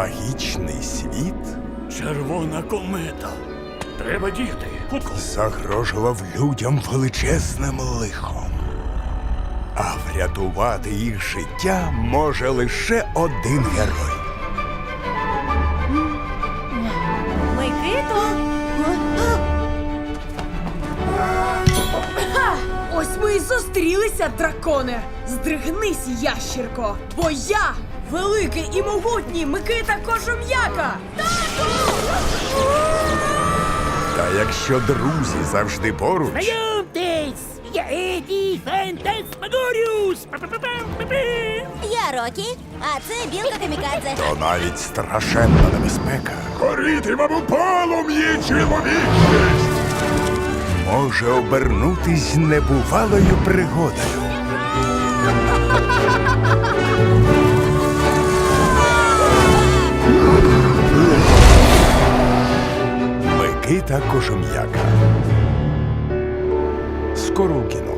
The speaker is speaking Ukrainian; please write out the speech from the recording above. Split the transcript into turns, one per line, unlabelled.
Магічний світ
Червона комета. Треба діяти. Хутко.
загрожував людям величезним лихом. А врятувати їх життя може лише один герой.
Микито!
Ось ми і зустрілися, драконе! Здригнись, ящірко! Бо я великий і могутній Микита Кожум'яка!
Та якщо друзі завжди поруч,
Знайомтесь! Я Еді Фантасмагоріус!
Я Рокі, а це Білка Камікадзе.
то навіть страшенна небезпека горітиме у полум'ї чоловічність може обернутись небувалою пригодою. Микита Кожум'яка. Скоро у кіно.